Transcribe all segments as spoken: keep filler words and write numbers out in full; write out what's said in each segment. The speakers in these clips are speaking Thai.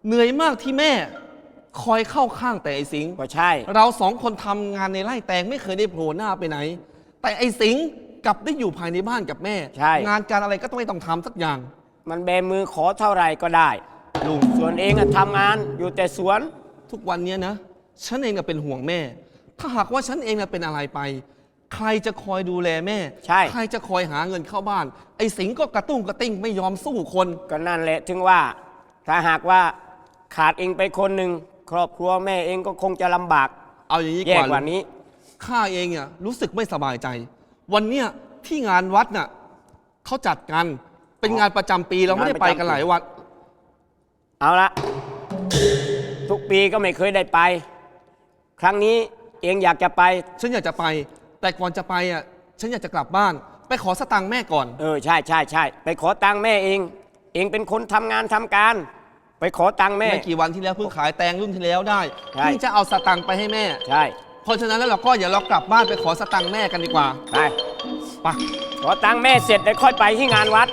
เหนื่อยมากที่แม่คอยเข้าข้างแต่ไอ้สิงห์ก็ใช่เราสองคนทำงานในไร่แตงไม่เคยได้โผล่หน้าไปไหน แต่ไอ้สิงห์กลับได้อยู่ภายในบ้านกับแม่ใช่งานการอะไรก็ต้องไม่ต้องทำสักอย่างมันแบมือขอเท่าไหร่ก็ได้ลุงส่วนเองอะทำงานอยู่แต่สวนทุกวันเนี้ยนะฉันเองน่ะเป็นห่วงแม่ ถ้าหากว่าฉันเองน่ะเป็นอะไรไป ใครจะคอยดูแลแม่ใช่ใครจะคอยหาเงินเข้าบ้าน ไอ้สิงห์ก็กระตุ้งกระติ้งไม่ยอมสู้คนก็นั่นแหละถึงว่า ถ้าหากว่าขาดเองไปคนหนึ่งครอบครัวแม่เองก็คงจะลำบากเอาอย่างนี้แย่ก่อนกว่านี้ข้าเองเนี่ยรู้สึกไม่สบายใจ วันเนี้ยที่งานวัดน่ะเขาจัดกัน เป็นงานประจำปีเราไม่ได้ไปกันหลายวันเอาละทุกปีก็ไม่เคยได้ไป ครั้งนี้เองอยากจะไปฉันอยากจะไป แต่ก่อนจะไปอ่ะฉันอยากจะกลับบ้าน ไปขอสตังค์แม่ก่อนเออใช่ใช่ใช่ไปขอตังค์แม่เอง เองเป็นคนทำงานทำการ ไปขอตังค์แม่ไม่กี่วันที่แล้วเพิ่งขายแตงรุ่นที่แล้วได้ใช่เพิ่งจะเอาสตังค์ไปให้แม่ใช่เพราะฉะนั้นแล้วเราก็อย่าเรากลับบ้านไปขอสตังค์แม่กันดีกว่าไปไปขอตังค์แม่เสร็จเดี๋ยวค่อยไปที่งานวัด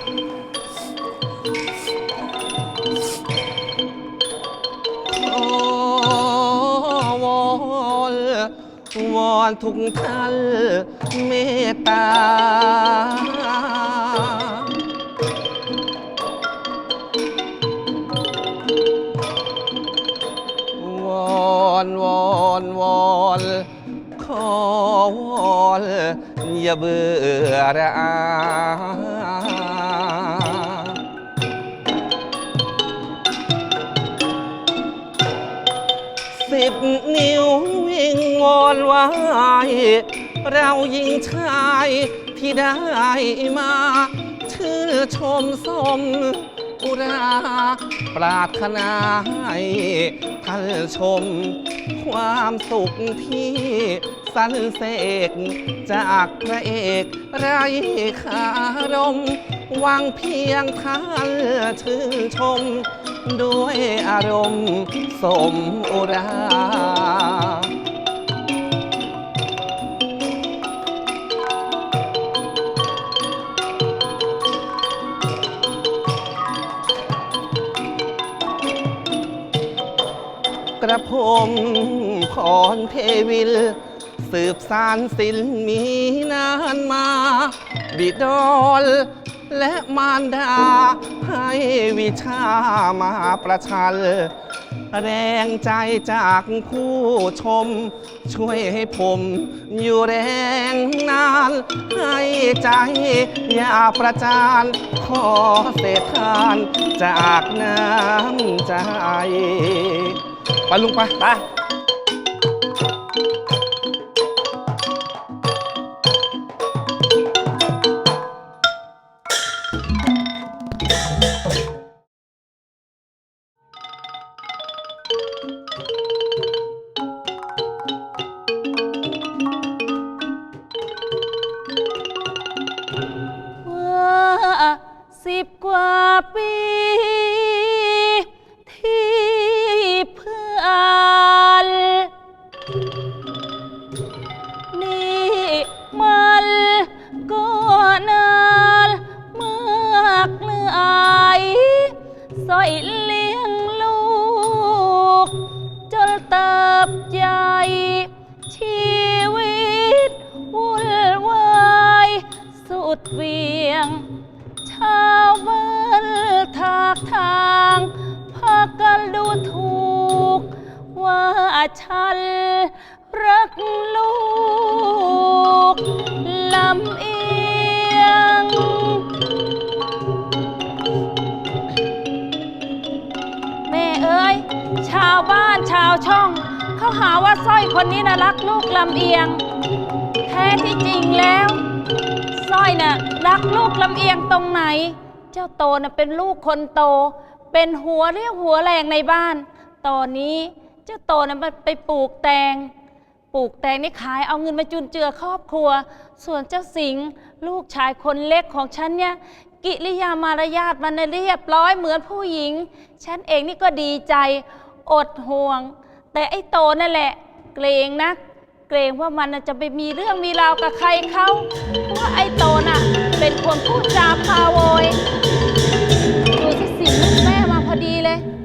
โอ้วอนวอนทุกท่านเมตตาวอนวอนวอนขอวอนอย่าเบื่อระอาสิบนิ้ววิงวอนไว้เรายิงชายที่ได้มาชื่นชมสมอุราปรารถนาให้ท่านชม ความสุขที่สรรเสกจากพระเอกไรคารมหวังเพียงท่านชื่นชม ด้วยอารมณ์สมอุรา กระผมพรเทวิล สืบสารศิลป์มีนานมา บิดรและมารดา ให้วิชามาประชัน แรงใจจากผู้ชม ช่วยให้ผมอยู่แรงนาน ให้ใจอย่าประจาน ขอเศษทานจากน้ำใจ ไปลุงไปไปว่าสิบกว่าปีที่เพื่อนนี่มันก็นานมากเลยสอยเลี้ยงลูก จนเติบใหญ่ชีวิตวุ่นวายสุดเวียง ชาวบ้านทากทางพากันดูถูก ว่าฉันรักลูกลำเอียง แม่เอ้ยชาวบ้านชาวช่อง เขาหาว่าสร้อยคนนี้นะรักลูกลำเอียง แท้ที่จริงแล้วสร้อยน่ะรักลูกลำเอียงตรงไหน เจ้าโตน่ะเป็นลูกคนโต เป็นหัวเรียวหัวแรงในบ้าน ตอนนี้เจ้าโตน่ะมันไปปลูกแตง ปลูกแตงนี่ขายเอาเงินมาจุนเจือครอบครัว ส่วนเจ้าสิงห์ลูกชายคนเล็กของฉันเนี่ยกิริยามารยาทมันน่ะเรียบร้อยเหมือนผู้หญิง ฉันเองนี่ก็ดีใจอดห่วง แต่ไอ้โตนั่นแหละเกรงนะเกรงว่ามันน่ะจะไปมีเรื่องมีราวกับใครเขาเพราะว่าไอ้โตน่ะเป็นคนพูดจาพาโวยดูสิสิลูกแม่มาพอดีเลย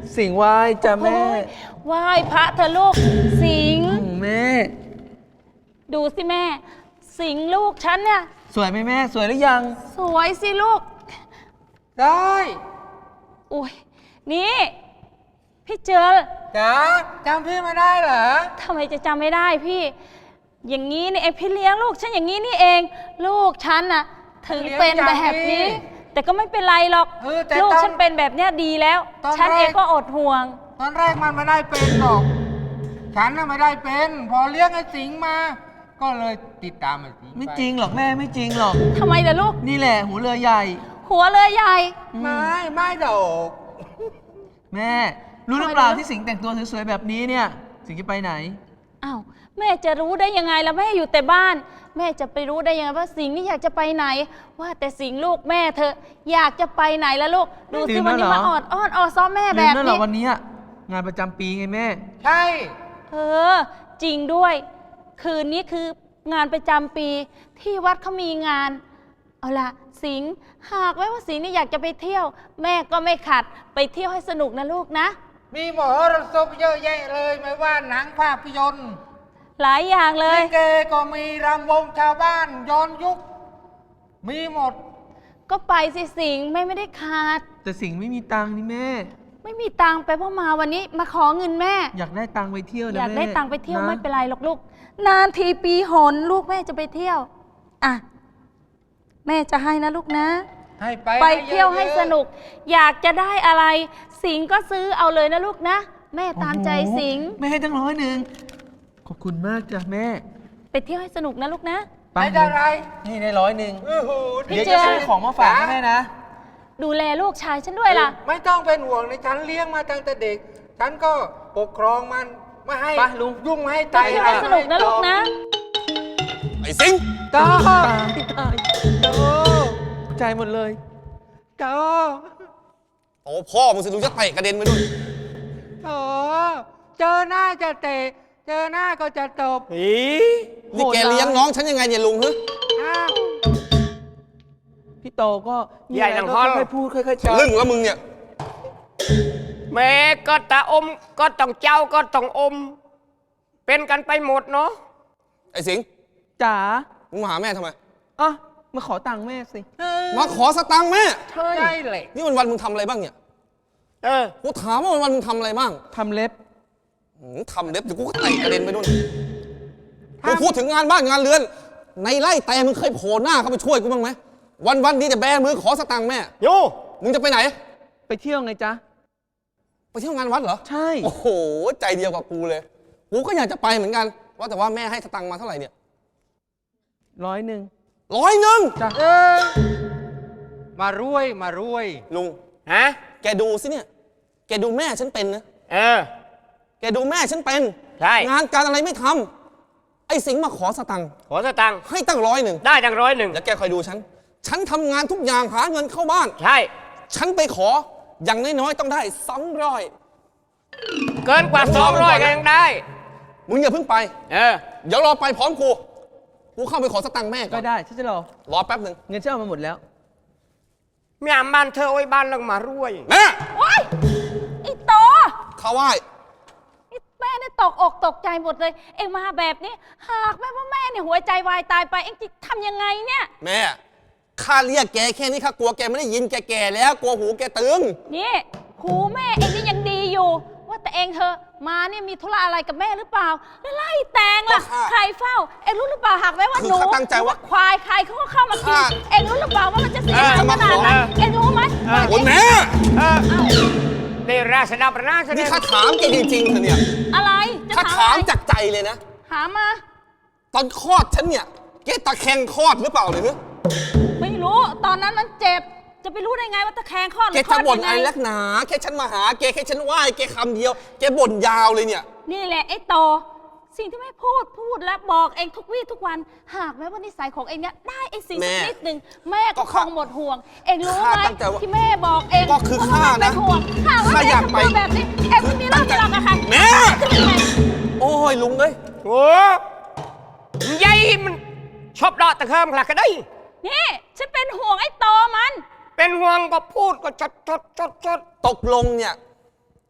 สิงห์ไหว้จ้ะแม่โอ้ยไหว้พระเธอะลูกสิงห์แม่ดูสิแม่ สิงห์ลูกฉันเนี่ยสวยไหมแม่สวยหรือยังสวยสิลูกได้อุ้ยนี่พี่เจอจ๋าจำพี่ไม่ได้เหรอทำไมจะจำไม่ได้พี่ อย่างนี้นี่เองพี่เลี้ยงลูกฉันอย่างนี้นี่เอง ลูกฉันน่ะถึงเป็นแบบนี้ แต่ก็ไม่เป็นไรหรอกเออแต่ลูกตอนฉันเป็นแบบเนี้ยดีแล้วตอนฉันแรกเองก็อดห่วงตอนแรกมันไม่ได้เป็นหรอก ฉันน่ะไม่ได้เป็น พอเลี้ยงไอ้สิงห์มา ก็เลยติดตามไอ้สิงห์ไม่จริงหรอกแม่ไม่จริงหรอกทำไมล่ะลูกนี่แหละหูเรือใหญ่หัวเลยใหญ่ไม่ไม่ดอกแม่ รู้หรือเปล่าที่สิงห์แต่งตัวสวยๆแบบนี้เนี่ย สิงห์จะไปไหนอ้าวแม่จะรู้ได้ยังไงล่ะแม่อยู่แต่บ้าน แม่จะไปรู้ได้ยังไงว่าสิงห์นี่อยากจะไปไหน ว่าแต่สิงห์ลูกแม่เธออยากจะไปไหนแล้วลูกดูลืสิมวันนี้แล้วเหรอมาออดอ้อนออซ้อมแม่ลืแบมบแล้วเหรอนี้วันนี้อะงานประจำปีไงแม่ใช่เออจริงด้วย คืนนี้คืองานประจำปีที่วัดเขามีงาน เอาล่ะสิงห์หากไว้ว่าสิงห์นี่อยากจะไปเที่ยว แม่ก็ไม่ขัดไปเที่ยวให้สนุกนะลูกนะมีหมอรสพเยอะแยะเลยไม่ว่าหนังภาพยนตร์หลายอย่างเลยลิเกก็มีรำวงชาวบ้านย้อนยุค มีหมดก็ไปสิสิงห์แม่ไม่ได้ขาดแต่สิงห์ไม่มีตังค์นี่แม่ไม่มีตังค์ไปเพราะมาวันนี้มาขอเงินแม่อยากได้ตังค์ไปเที่ยวนะอยากแม่ได้ตังค์ไปเที่ยวะไม่เป็นไรหรอกลูก นานทีปีหนลูกแม่จะไปเที่ยว อ่ะ แม่จะให้นะลูกนะให้ไปไปเที่ยวให้อะๆสนุก อยากจะได้อะไร สิงห์ก็ซื้อเอาเลยนะลูกนะ แม่ตามใจโอ้โหสิงห์ไม่ให้ตั้งร้อยหนึ่งขอบคุณมากจ้ะแม่ไปเที่ยวให้สนุกนะลูกนะไปไม่ได้อะไรนี่ได้ร้อยหนึ่งโอ้โหพี่เดี๋ยวเจจะซื้อของมาฝากให้แม่นะดูแลลูกชายฉันด้วยล่ะไม่ต้องเป็นห่วงในฉันเลี้ยงมาตั้งแต่เด็ก ฉันก็ปกครองมันไม่ให้ไปลุงยุ่งไม่ให้ไปไต่เที่ยวให้สนุกนะลูกนะไอ้สิงห์จ้าตายตายโตใจหมดเลยโตโอ้พ่อมึงสิลุงจะเตะกระเด็นไปด้วยโตเจอหน้าจะเตะ เจอหน้าก็จะตบอีนี่แกเลี้ยงน้องฉันยังไงเนี่ยลุงฮึอ้าวพี่โตก็มีใหญ่อะไรดังก็ฮอลค่อยๆพูดค่อยๆจาลึ่งแล้วมึงเนี่ยแม่ก็ตาอมก็ต้องเจ้าก็ต้องอม เป็นกันไปหมดเนาะไอ้สิงห์จ๋ามึงมาหาแม่ทำไมอ่ะมาขอตังค์แม่สิมาขอสตังค์แม่ใช่เลยนี่วันวันๆมึงทำอะไรบ้างเนี่ยเออกูถามว่าวันวันๆมึงทำอะไรบ้างทำเล็บหืมทำเล็บเดี๋ยวกูก็เตะกระเด็นไปนู่นกูพูดถึงงานบ้านงานเรือน ในไร่แต่มึงเคยโผล่หน้าเข้าไปช่วยกูบ้างไหมวันวันๆนี้แต่แบมือขอสตังค์แม่โยมึงจะไปไหนไปเที่ยวไงจ๊ะไปเที่ยวงานวัดเหรอใช่โอ้โห ใจเดียวกับกูเลย กูก็อยากจะไปเหมือนกัน ว่าแต่ว่าแม่ให้สตังค์มาเท่าไหร่เนี่ยร้อยหนึ่งร้อยหนึ่งจ้ะเออ มารวยมารวยลุงฮะแกดูสิเนี่ย แกดูแม่ฉันเป็นนะเออแกดูแม่ฉันเป็นใช่งานการอะไรไม่ทำไอ้สิงห์มาขอสตังค์ขอสตังค์ให้ตั้งร้อยหนึ่งได้จังร้อยหนึ่งแล้วแกคอยดูฉัน ฉันทำงานทุกอย่างหาเงินเข้าบ้านใช่ฉันไปขอ อย่างน้อยๆต้องได้สองร้อยเกินกว่าสองร้อยก็ยังได้มึงอย่าเพิ่งไปเออเดี๋ยวรอไปพร้อมกู กูเข้าไปขอสตังค์แม่ก่ก็อนได้ฉันจะรอรอแป๊บหนึ่งเงินฉันเอามาหมดแล้วแม่บ้านเธอไว้บ้านลังมารวยแม่โอ๊ยไอ้โตเข้าไหว้ไอ้แม่เนี่ยตกอกตกใจหมดเลย เอ็งมาแบบนี้ หากแม่ว่าแม่เนี่ยหัวใจวายตายไป เอ็งจะทำยังไงเนี่ยแม่ ข้าเรียกแกแค่นี้ข้ากลัวแกไม่ได้ยินแกแก่แล้ว กลัวหูแกตึงนี่หูแม่เอ็งนี่ยังดีอยู่ ว่าแต่เอ็งเธอะมาเนี่ยมีธุระอะไรกับแม่หรือเปล่า แล้วไล่แตงล่ะก็ค่ะใครเฝ้า เอ็งรู้หรือเปล่าหากแม่ว่าคือหนูข้าตั้งใจว่าหรือควายใครเขาก็เข้ามากินค่ะเอ็งรู้หรือเปล่าว่ามันจะเสียเออหายขนาดนั้นเออเอ็งรู้ไหมว่าโอ้ยแม่เออได้ราชดาประนาชนี่ข้าถามแกจริงๆเถอะเนี่ยอะไรจะข้าถามถามอะไรจากใจเลยนะถามมาตอนคลอดฉันเนี่ย แกตะแคงคลอดหรือเปล่าเนี่ยไม่รู้ตอนนั้นมันเจ็บ จะไปรู้ได้ไงว่าตะแคงคลอดหแกรือคลจะอดบ่นยังอะไรไงลักหนา แค่ฉันมาหา แกแค่ฉันไหว้แกคำเดียว แกบ่นยาวเลยเนี่ยนี่แหละไอ้โตสิ่งที่แม่พูดพูดและบอกเองทุกวี่ทุกวัน หากแม้ว่านิสัยของเองเนี่ยได้ไอ้สิ่งแม่สักนิดหนึ่งแม่ก็ก็คข้างหมดห่วง เองรู้ไหมข้าตั้งใจว่าที่แม่บอกเองก็คือว่ข้าแม่เป็นะห่วงหากว่าข้าเออง ยากไปทำตัวแบบนี้เองไม่มีเรื่องมีราวกับใครแม่จะเป็นไงโอ้ยลุงเอ้ยโอ้มันใหญ่มันชอบเดาะตะเคิมหลักก็ได้นี่ฉันเป็นห่วงไอ้โตมันเป็นห่วงก็พูดก็ชดชดชดชดตกลงเนี่ย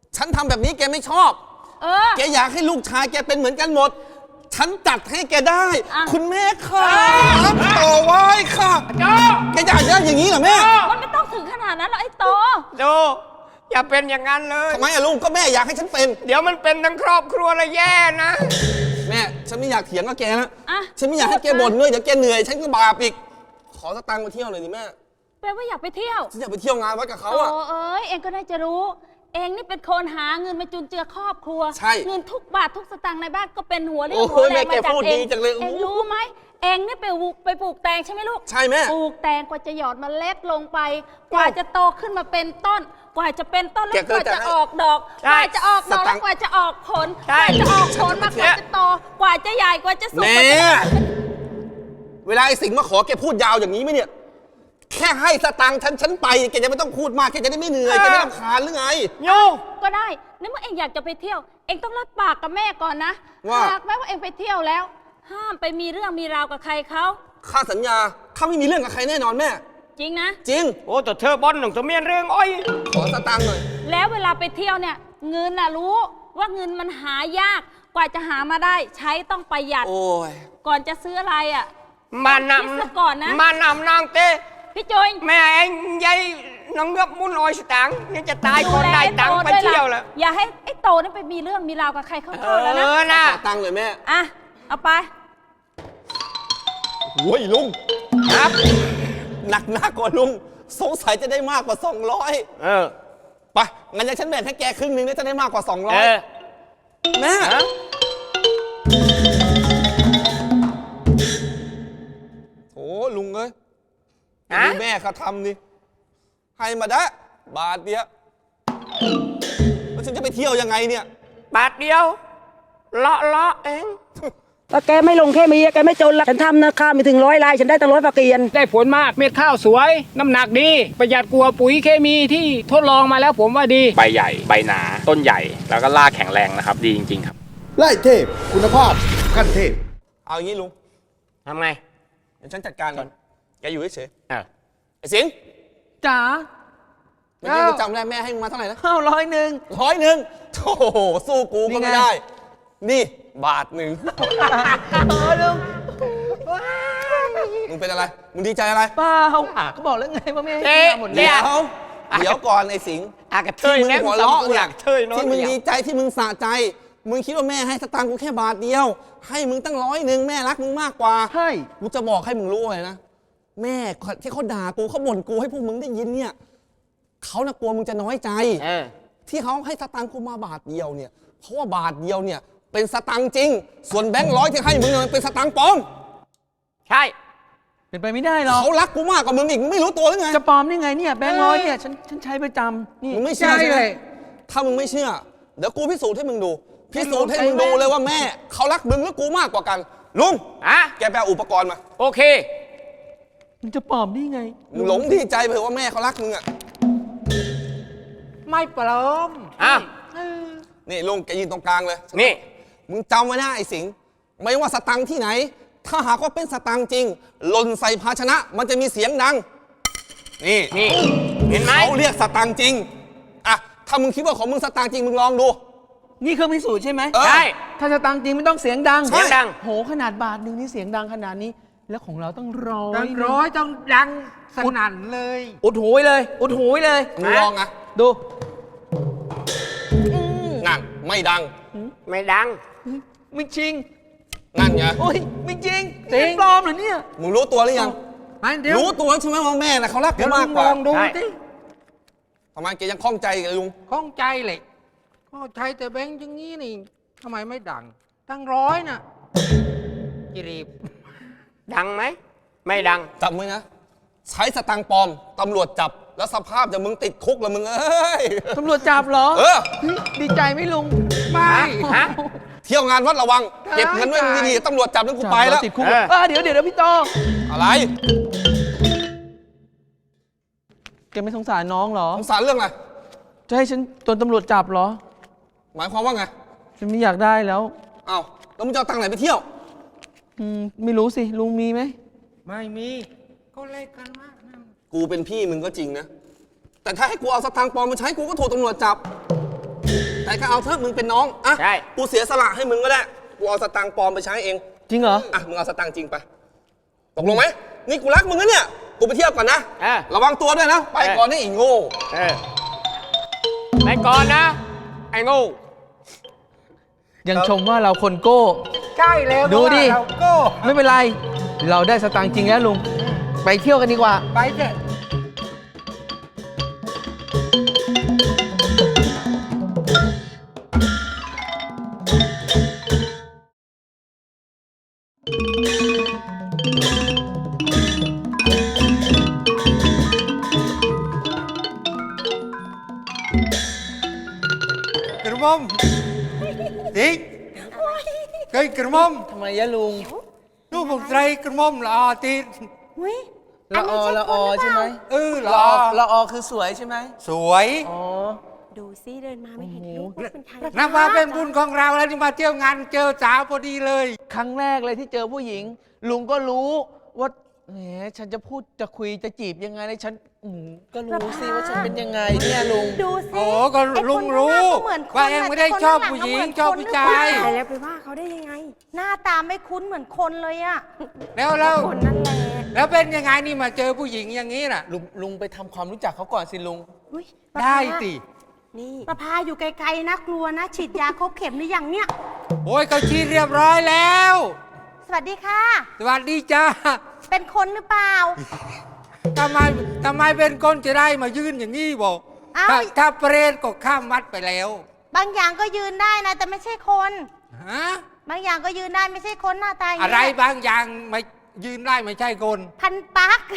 ฉันทำแบบนี้แกไม่ชอบเออแกอยากให้ลูกชายแกเป็นเหมือนกันหมด ฉันจัดให้แกได้อ่ะคุณแม่ค่ะต่อไว้ค่ะแกอยากได้อย่างนี้เหรอแม่มันไม่ต้องถึงขนาดนั้นหรอกไอ้โตโจอย่าเป็นอย่างนั้นเลยทำไมอะลุงก็แม่อยากให้ฉันเป็นเดี๋ยวมันเป็นทั้งครอบครัวเลยแย่นะแม่ฉันไม่อยากเถียงกับแกนะอ่ะฉันไม่อยากให้แกบ่นด้วยเดี๋ยวแกเหนื่อยฉันก็บาปอีกขอสตังค์มาเที่ยวหน่อยดิแม่แปลว่าอยากไปเที่ยวฉันอยากไปเที่ยวงานวัดกับเขาโอ้อะเอ้ยเองก็ได้จะรู้ เองนี่เป็นคนหาเงินมาจุนเจือครอบครัวใช่เงินทุกบาททุกสตางค์ในบ้านก็เป็นหัวเรี่ยโอ้วโหหัวแรแม่งมาจากแกพูดเอดีงจังเลยเองรู้ไหมเองนี่ไปปลูกไปปลูกแตงใช่ไหมลูกใช่แม่ปลูกแตงกว่าจะหยอดเมล็ดลงไป กว่าจะโตขึ้นมาเป็นต้น กว่าจะเป็นต้นแล้วกว่าจะออกดอกใช่กว่าจะออกดอกสตัแล้วงค์กว่าจะออกผลใช่กว่าจะออกผลมากว่าจะโตกว่าจะใหญ่กว่าจะสุกแม่กว่าจะเวลาไอ้สิงห์มาขอแกพูดยาวอย่างนี้ไหมเนี่ย แค่ให้สตังค์ฉันฉันไปแกจะไม่ต้องพูดมากแกจะได้ไม่เหนื่อยแกไม่รำคาญหรือไงโยก็ได้ในเมื่อเองอยากจะไปเที่ยว เองต้องรับปากกับแม่ก่อนนะว่าหากแม้ว่าเองไปเที่ยวแล้ว ห้ามไปมีเรื่องมีราวกับใครเขาข้าสัญญาข้าไม่มีเรื่องกับใครแน่นอนแม่จริงนะจริงโอ้แต่เธอบอลหนุ่มตัวเมียนเรื่องอ้อยขอสตังค์หน่อยแล้วเวลาไปเที่ยวเนี่ย เงินน่ะรู้ว่าเงินมันหายาก กว่าจะหามาได้ ใช้ต้องประหยัดโอ้ยก่อนจะซื้ออะไรอ่ะมานคิดซะก่อนนะำมานำนางเต้พี่จุยแม่เองยายน้องเงือกมุนอ้อยสตางค์ยังจะตายคนได้ตังค์ไปเที่ยวแล้วอย่าให้ไอ้โตนั่นไปมีเรื่องมีราวกับใครเขาเข้าแล้วนะเออนะขอตังค์เลยแม่อ่ะเอาไปโอ้ยลุงครับหนักหนักกว่าลุงสงสัยจะได้มากกว่าสองร้อยเออไปงั้นยังฉันแบ่งให้แกครึ่งหนึงเนี่ยจะได้มากกว่าสองร้อเอย อแม่ฮะโอ้ลุงเอ้ยฮะดูแม่เขาทำนี่ให้มาได้บาทเดียวแล้วฉันจะไปเที่ยวยังไงเนี่ยบาทเดียวเลาะเลาะเองถ้าแกไม่ลงแค่มีแกไม่จนละฉันทำนะข้าวมีถึงร้อยลาย ฉันได้ตั้งร้อยฝากเกียนได้ผลมากเม็ดข้าวสวย น้ำหนักดี ประหยัดกว่าปุ๋ยเคมีที่ทดลองมาแล้วผมว่าดีใบใหญ่ ใบหนา ต้นใหญ่ แล้วก็รากแข็งแรงนะครับ ดีจริง ๆ ครับไล่เทพ คุณภาพขั้นเทพเอาอย่างนี้ลุงทำไงเดี๋ยวฉันจัดการก่อนแกอยู่เฉยเออๆไอ้สิงห์จ๋าเมื่อกี้กูจำได้แม่ให้มึงมาเท่าไหร่นะเข้าร้อยหนึ่งร้อยหนึ่งโธ่สู้กูก็นี่ไงไม่ได้ นี่บาทหนึ่งเออลุงมึงเป็นอะไร มึงดีใจอะไรเปล่าก็บอกแล้วไงว่าไม่ให้เอ๊ะกินหมดเนี่เดี๋เนี่ยยว เดี๋ยวก่อนไอ้สิงห์อากระเทที่ยมึงแน่หัวเราะหเนี่ลัยกเทยน้อยที่มึงเดียวดีใจที่มึงสะใจ มึงคิดว่าแม่ให้สตางค์กูแค่บาทเดียว ให้มึงตั้งร้อยหนึ่งแม่รักมึงมากกว่าใช่กูจะบอกให้มึงรู้เลยนะ แม่ที่เขาด่ากูเขาบ่นกูให้พวกมึงได้ยินเนี่ยเขาน่ะกลัวมึงจะน้อยใจเออที่เขาให้สตังค์กูมาบาทเดียวเนี่ยเพราะว่าบาทเดียวเนี่ยเป็นสตังค์จริง ส่วนแบงค์ร้อยที่ให้มึงเนี่ยมันเป็นสตังค์ปลอมใช่เป็นไปไม่ได้หรอกเขารักกูมากกว่ามึงอีกมึงไม่รู้ตัวหรือไงจะปลอมได้ไงเนี่ยแบงค์ร้อยเนี่ยฉันฉันใช้ประจำนี่มึงไม่เชื่อใช่ไหมเลยถ้ามึงไม่เชื่อเดี๋ยวกูพิสูจน์ให้มึงดูพิสูจน์ให้มึงดูเลยว่าแม่เขารักมึงหรือกูมากกว่ากันลุงอะแกไปเอาอุปกรณ์มาโอเคมันจะปลอมได้ไงมึงหลงดีใจไปเถอะว่าแม่เขารักมึงอ่ะไม่ปลอมอ่ะนี่ลุงแกยืนตรงกลางเลยนี่มึงจำไว้นะไอ้สิงห์ไม่ว่าสตังค์ที่ไหน ถ้าหากว่าเป็นสตังค์จริงหล่นใส่ภาชนะ มันจะมีเสียงดัง นี่นี่ เห็นไหมเขาเรียกสตังค์จริงอ่ะถ้ามึงคิดว่าของมึงสตังค์จริงมึงลองดูนี่เครื่องพิสูจน์ใช่ไหมเออใช่ถ้าจะตังค์จริงไม่ต้องเสียงดังเสียงดังโหขนาดบาทหนึ่งนี่เสียงดังขนาดนี้ แล้วของเราต้องร้อยต้องร้อยต้องดังสนั่นเลยอุดหูยเลย อุดหูยเลยมึงลองอ่ะดูนั่นไม่ดังไม่ดังไม่จริงนั่นไงโอ้ยไม่จริงจริงปลอมเหรอเนี่ยมึงรู้ตัวหรือยังมันเดี๋ยวรู้ตัวใช่ไหมว่าแม่น่ะเขารักเดี๋กูยวลุมากงกลว่าองดูใช่สิทำไมแกยังคล่องใจกับลุงข้องใจเลยก็ใช้แต่แบงค์อย่างนี้นี่ทำไมไม่ดัง ตั้งร้อยน่ะจิรีบดังไหม ไม่ดังจำไว้นะ ใช้สตังค์ปลอมตำรวจจับแล้วสภาพจะมึงติดคุกแล้วมึงเอ้ยตำรวจจับเหรอเออเฮ้ยดีใจไหมลุงไม่ฮะเที่ยวงานวัดระวัง เก็บเงินไว้ดีๆตำรวจจับแล้วกูไปแล้วติดคุกเออเออเดี๋ยวเดี๋ยวเดี๋ยวพี่โตอะไรแกไม่สงสารน้องเหรอสงสารเรื่องอะไรจะให้ฉันโดนตำรวจจับเหรอหมายความว่าไงฉันไม่อยากได้แล้วอ้าวแล้วมึงจะเอาตังค์ไหนไปเที่ยวอืมไม่รู้สิ ลุงมีไหมไม่มีก็เล่นกันมากนะกูเป็นพี่มึงก็จริงนะ แต่ถ้าให้กูเอาสตังค์ปลอมมาใช้กูก็ถูกตำรวจจับแต่ก็เอาเถอะมึงเป็นน้องอ่ะใช่กูเสียสละให้มึงก็ได้กูเอาสตังค์ปลอมไปใช้เองจริงเหรออ่ะมึงเอาสตังค์จริงไปตกลงไหมนี่กูรักมึงนะเนี่ยกูไปเที่ยวก่อนนะเออระวังตัวด้วยนะไปก่อนนี่อีโง่เออไปก่อนนะ ไอ้โงูยังชมว่าเราคนโก้ใช่แล้วดูดิเราโก้ไม่เป็นไร เราได้สตางค์จริงแล้วลุง ไปเที่ยวกันดีกว่าไปเถอะ กระหม่อมสิงเฮ้ยกระหม่อมทำไมยะลุงลูกผมใส่กระหม่อมละออติดอุ้ยละออละออใช่ไหมเออละละออออละออคือสวยใช่ไหมสวยอ๋อดูซิเดินมาไม่เห็นลูกว่าเป็นใครนับว่าเป็นบุญของเราแล้วที่มาเที่ยวงานเจอสาวพอดีเลยครั้งแรกเลยที่เจอผู้หญิง ลุงก็รู้ว่าแหมฉันจะพูดจะคุยจะจีบยังไงเลยฉันอืมก็รู้สิว่าฉันเป็นยังไงเนี่ยลุงดูซิโอ้ก็ลุงรู้ว่าเองไม่ได้ชอบผู้หญิงชอบผู้ชายตายแล้วไปว่าเขาได้ยังไง หน้าตาไม่คุ้นเหมือนคนเลยอะแล้วแล้วคนนั่นแหละแล้วเป็นยังไงนี่มาเจอผู้หญิงอย่างนี้น่ะลุงลุงไปทำความรู้จักเขาก่อนสิลุงอุ๊ยได้สินี่ประพาอยู่ไกลๆนะกลัวนะ ฉีดยาครบเข็มหรือยังเนี่ยโอ้ยเขาชี้เรียบร้อยแล้วสวัสดีค่ะสวัสดีจ้าเป็นคนหรือเปล่าทำไมทำไมเป็นคนจะได้มายืนอย่างนี้บอกเอ้าถ้าถ้าเปรตก็ข้ามวัดไปแล้วบางอย่างก็ยืนได้นะ แต่ไม่ใช่คนฮะบางอย่างก็ยืนได้ไม่ใช่คนหน้าตาอย่างอะไรนี้บางอย่างไม่ยืนได้ไม่ใช่คนพันปัก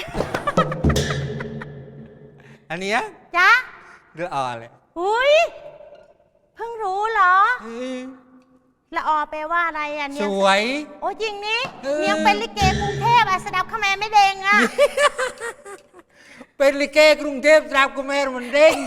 อันเนี้ยจ๊ะเรืออ่อเลยอุ้ยเพิ่งรู้เหรอเออละออแปลว่าอะไรอ่ะสเนี่ยวยโอ้จริงนี่เออเนียงเป็นลิเกกรุงเทพอ่ะสดับขแมไม่เด้งอ่ะเป็นลิเกกรุงเทพตราบกุเมรมันเด้ง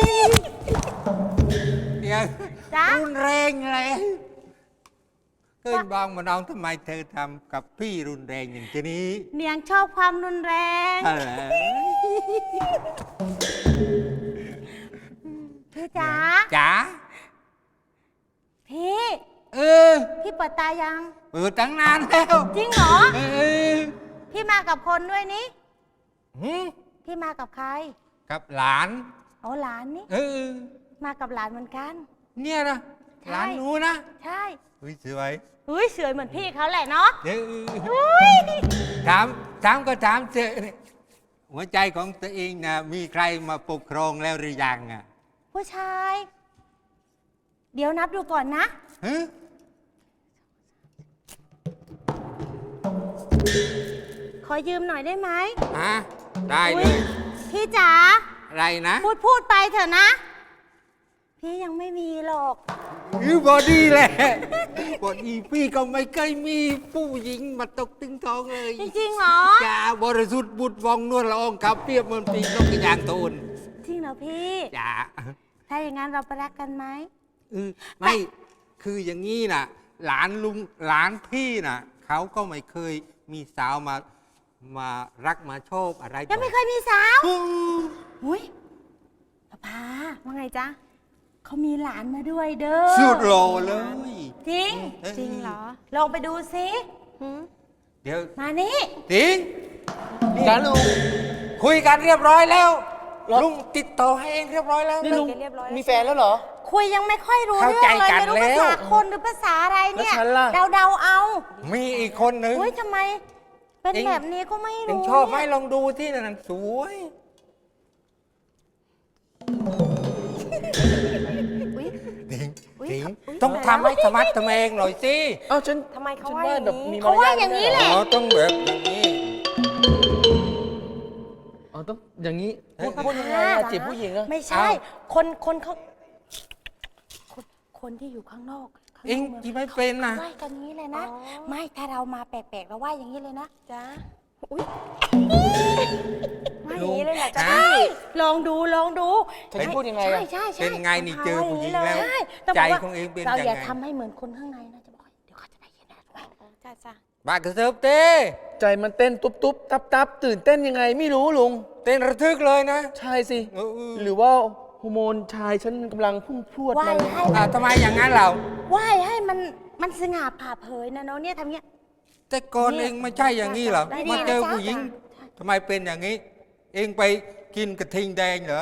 เนี่ยจ๊ะรุนแรงเลยเฮ้ยบางมาน้องทำไมเธอทำกับพี่รุนแรงอย่างนี้เนียงชอบความรุนแรงอะไรพี่จ๋าจ๋าพี่เออพี่เปิดตายังเปิดตั้งนานแล้วจริงเหรอเออพี่มากับคนด้วยนี่หืมพี่มากับใครกับหลานอ๋อหลานนี่เออมากับหลานเหมือนกันเนี่ยนะใช่หลานหนูนะใช่อุ้ยสวยอุ้ยสวยเหมือนพี่เขาแหละเนาะเดี๋ยวอุ้ยถามถามก็ถามเจอหัวใจของตัวเองนะมีใครมาปกครองแล้วหรือยังอ่ะผู้ชาย เดี๋ยวนับดูก่อนนะฮะขอยืมหน่อยได้ไหมฮะได้เลอุ๊ยพี่จ๋าอะไรนะพูดพูดไปเถอะนะ พี่ยังไม่มีหรอกอือบอดี้แหละบอดี้พี่ก็ไม่เคยมีผู้หญิงมาตกตึงท้องเลยจริงๆเหรอจ้าบริสุทธิ์บุตรวองนวลละอองขับเปรียบเหมือนปีกนกกระยางโทนจริงเหรอพี่จ้าถ้าอย่างนั้นเราไปรักกันไหมเออไม่คืออย่างนี้น่ะ หลานลุงหลานพี่น่ะเขาก็ไม่เคยมีสาวมามารักมาชอบอะไรยังไม่เคยมีสาวอืมอุ้ยป้าพาว่าไงจ๊ะเขามีหลานมาด้วยเด้อสุดโลเลยจริงเออจริงเหรอ ลองไปดูสิหืมเดี๋ยวมานี่ติงจ้าลุงคุยกันเรียบร้อยแล้ว ลุงติดต่อให้เองเรียบร้อยแล้วนี่ลุงเรียบร้อยแล้วมีแฟนแล้วเหรอคุยยังไม่ค่อยรู้เข้าเรื่องใจเลยกันไม่รู้แล้ภาว ษาคนหรือภาษาอะไรเนี่ยแล้วฉันล่ะเดาเดาๆเอามีอีกคนหนึ่งอุ้ยทำไม เป็นเอ็งแบบนี้ก็ไม่เองรู้ชอบไหมเนี่ยลองดูที่นั่นสวยอุ๊ยติงอุ๊ยติงอุ๊ยต้องทำให้ธรรมะทำเองหน่อยสิเอ้าฉันทำไมเขาฉันว่าอย่างแบบนี้มีเขาว่าารอย่างนี้นี้แหละอ๋อต้องแบบอย่างนี้อ๋อต้องอย่างนี้เอ้ยพูดพูดยังไงอะจีบผู้หญิงอะไม่ใช่อ้าวคนคนเขาคนคนที่อยู่ข้างนอกข้างนเอ็งมืที่ไม่เป็นนะไหว้กันอย่างนี้เลยนะ ไม่ถ้าเรามาแปลกๆเราไหว้อย่างนี้เลยนะจ้าอุ้ยไหว้อย่างนี้เลยแหละจ้าใช่ลองดูลองดูฉันจะพูดยังไงอะใช่ใช่ใช่เป็นไงนี่เจอผู้หญิงแล้วใช่ต้องใจบอกว่าของเองเป็นเรายังอย่าไงทำให้เหมือนคนข้างในนะจะบอกให้เดี๋ยวเขาจะได้ยินนะจ้าจ้าบากระเซิบเต้ใจมันเต้นตุ๊บตุ๊บตับตับตื่นเต้นยังไงไม่รู้ลุงเต้นระทึกเลยนะใช่สิเออเออหรือว่าฮอร์โมนชายฉันกำลังพุ่งพรวดไหว้มาเลยให้อ่าทำไมอย่างนั้นเราไหว้ให้มันมันสง่าผ่าเผยนะน้องเนี่ยทำเงี้ยแต่ก่อนเองไม่ใช่อย่างนี้เหรอได้ดีมาเจอนะจ๊ะผู้หญิงทำไมเป็นอย่างนี้ เองไปกินกระทิงแดงเหรอ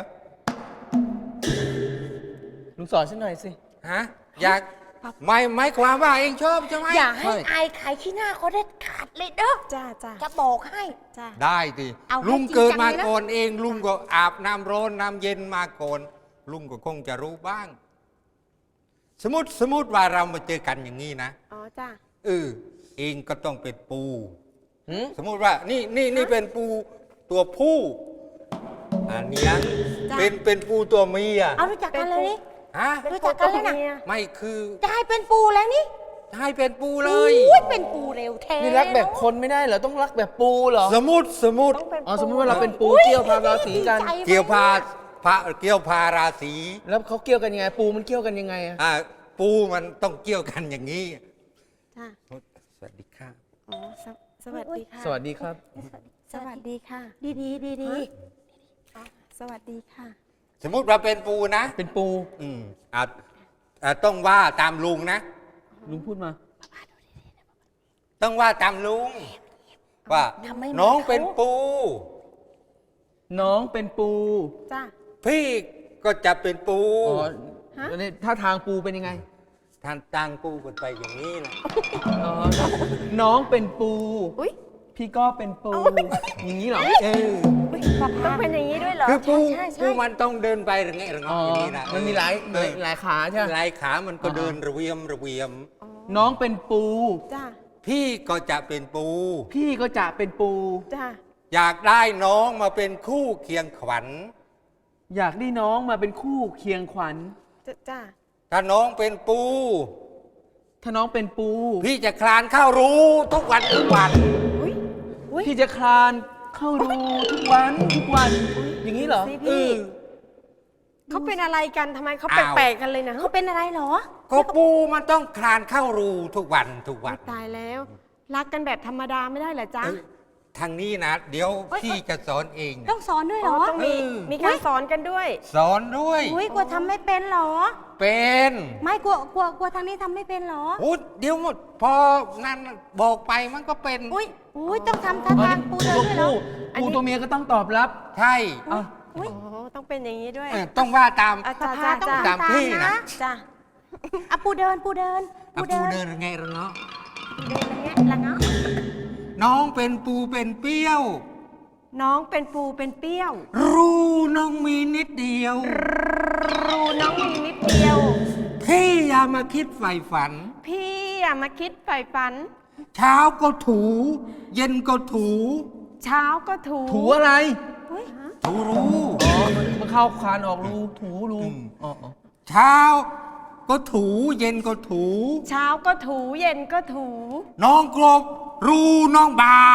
ลุงสอนฉันหน่อยสิฮะอยากไม่ไม่ความว่าเองชอบใช่ไหมอย่าให้อายขายขี้หน้าเขาได้ขาดเลยเด้อจ้าจ้าจะบอกให้จ้าได้ดิเอาให้ลุงเกิดมาจริงจังเลยนะก่อนเอง ลุงก็อาบน้ำร้อนน้ำเย็นมาก่อนลุงก็คงจะรู้บ้าง สมมติสมมติว่าเรามาเจอกันอย่างนี้นะอ๋อจ้าเออเองก็ต้องเป็นปูหืมสมมติว่านี่นี่นี่เป็นปูตัวผู้อันเนี้ยเป็นเป็นปูตัวเมียเอารู้จักกันเลยนี่ฮะรู้จักกันเลยนะไม่คือจะให้เป็นปูแล้วนี่ให้เป็นปูเลยอุ้ยเป็นปูเร็วแท้นี่รักแบบคนไม่ได้เหรอ ต้องรักแบบปูเหรอสมมติสมมติอ๋อ สมมติว่าเราเป็นปูเกี่ยวพาราศีกันเกี่ยวพาพระเกี่ยวพาราศีแล้วเขาเกี่ยวกันยังไง ปูมันเกี่ยวกันยังไงอะอ่าปูมันต้องเกี่ยวกันอย่างนี้จ้าสวัสดีค่ะอ๋อสวสวัสดีค่ะสวัสดีครับสวัสดีค่ะ ดีดีดีดีสวัสดีค่ะสมมติว่าเป็นปูนะเป็นปูอืมอ่าอ่าต้องว่าตามลุงนะลุงพูดมาต้องว่าตามลุง ว่าทำไมน้องเขาเป็นปูน้องเป็นปูจ้าพี่ก็จะเป็นปูอ๋อแล้วนี่ท่าทางปูเป็นยังไงท่านตังปูกันไปอย่างนี้นะอ๋อ น้องเป็นปูอุ้ยพี่ก็เป็นปู อย่างนี้เหรอ เออต้องเป็นอย่างนี้ด้วยเหรอคือปูใช่ใช่ปูมันต้องเดินไประเงะระอ๋งะออย่างนี้นะมันมีหลายเออหลายขาใช่ไหมหลายขามันก็เดินระเวียมระเวียมน้องเป็นปูจ้าพี่ก็จะเป็นปูพี่ก็จะเป็นปูจ้าอยากได้น้องมาเป็นคู่เคียงขวัญอยากได้น้องมาเป็นคู่เคียงขวัญจ้าถ้าน้องเป็นปูถ้าน้องเป็นปูพี่จะคลานเข้ารู้ทุกวันทุกวันอุ้ยอุ้ยพี่จะคลานเข้ารูทุกวันทุกวัน อย่างนี้เหรอสิเอพี่อเขาเป็นอะไรกันทำไมเขาอ้าวแปลกๆกันเลยนะเขาเป็นอะไรเหรอก็ปูมันต้องคลานเข้ารูทุกวันทุกวันตายแล้ว รักกันแบบธรรมดาไม่ได้เหรอจ๊ะเอ้ยทางนี้นะ เดี๋ยวเอ้ยพี่จะสอนเองนะต้องสอนด้วยเหรอต้องมีมีการสอนกันด้วยสอนด้วยอุ้ยกลัวทำไม่เป็นเหรอเป็นไม่กลัวกลัวกลัวทางนี้ทำไม่เป็นเหรอโอ้เดี๋ยวหมด พอนั่นบอกไปมันก็เป็นอุ้ยอุ้ยต้องทำท่าทางปูเดินด้วยเหรอปูอันปูนี้ตัวเมียก็ต้องตอบรับใช่อ่ะอุ้ยต้องเป็นอย่างนี้ด้วยเออต้องว่าตามอาจารย์จ้าต้องตามพี่นะจ้าอ่ะปูเดินปูเดินอ่ะปูเดินไงระเนาะเดินอย่างเงี้ยละเนาะน้องเป็นปูเป็นเปรี้ยวน้องเป็นปูเป็นเปรี้ยวรูน้องมีนิดเดียวรูน้องมีนิดเดียวพี่อย่ามาคิดใฝ่ฝันพี่อย่ามาคิดใฝ่ฝันเช้าก็ถู เย็นก็ถูเช้าก็ถูถูอะไรเฮ้ยถูรูอ๋อ มันมันเข้าคานออกรู ถูรูอืมอ๋ออ๋อเช้าก็ถูเย็นก็ถูเช้าก็ถูเย็นก็ถูน้องกลบรูน้องบาน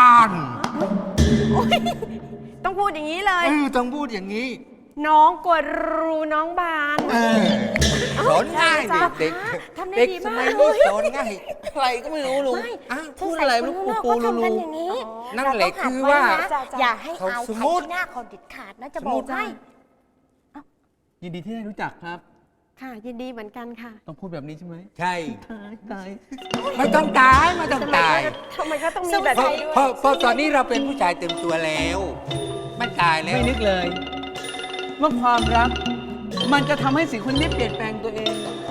ต้องพูดอย่างนี้เลยเออต้องพูดอย่างนี้น้องกดรูน้องบานเออสอนง่ายจ้าเด็กทำได้เด็กดีสมากมัยนี้สอนง่ายอะไรก็ไม่รู้ลุงไม่อ้าวพูดอะไรไม่รู้สงสัยปูคนข้างนอกเขารูทำกันอย่างนี้นั่นแหละเรต้งหัดคือว่าไนะอย่าให้เขาอายสมใครมุติที่หน้าเขาเด็ดขาดนะจะสมบมุอติกให้ยินดีที่ได้รู้จักครับค่ะ ยินดีเหมือนกันค่ะต้องพูดแบบนี้ใช่ไหมใช่ตายตายไม่ต้องตายไม่ต้องตายทำไมก็ต้องมีแบบเพราะนี้ด้วยเพราะเพราะตอนนี้เราเป็นผู้ชายเต็มตัวแล้วไม่ตายแล้วไม่นึกเลย ว่าความรัก มันจะทำให้สิ่งคนนี้เปลี่ยนแปลงตัวเอง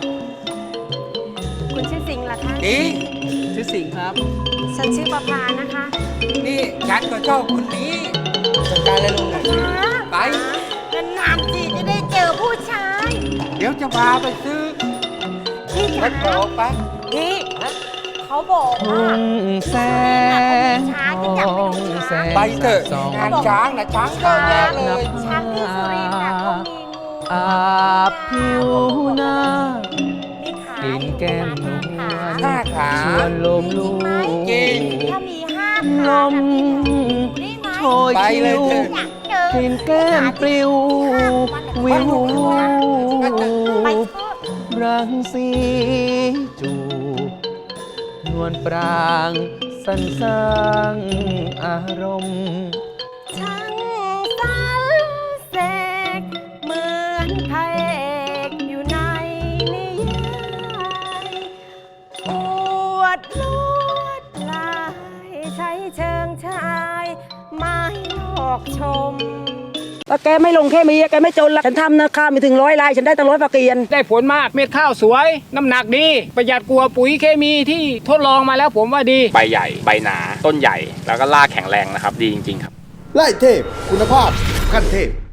คุณชื่อสิงห์เหรอคะอีชื่อสิงห์ครับฉันชื่อประภานะคะนี่ฉันก็ชอบคนนี้จัดการเลยลุงไปนานๆทีจะได้เจอผู้ชายเดี๋ยวจะพาไปซื้อพี่รจ๋าถโผไปพี่เขาบอกว่าแสงทองแสงไปเถอะสองงานช้างนะช้างเกินแน่เลยช้างที่สุรินทร์น่ะเขามีงูอาบผิวหน้ามีขากลิ่นแก้มนวลห้าขาชวนลมลูกจริงถ้ามีห้าลขาม ได้ไหมโชยไปคิเลยว เถอะอยากเจอกลิ่นแก้มปลิว วิวไปรังสีจูบนวลปรางสันสร้างอารมณ์ช่างสรรเสกเหมือนไพเชิงชายไม้หลอกชมแล้วแกไม่ลงแค่มีแกไม่จนละฉันทำนะข้าวมีถึงร้อยลายฉันได้ตั้งร้อยฝากเกียนได้ผลมากเม็ดข้าวสวย น้ำหนักดี ประหยัดกว่าปุ๋ยเคมีที่ทดลองมาแล้วผมว่าดีใบใหญ่ใบหนาต้นใหญ่แล้วก็รากแข็งแรงนะครับดีจริงๆครับไล่เทพ คุณภาพขั้นเทพ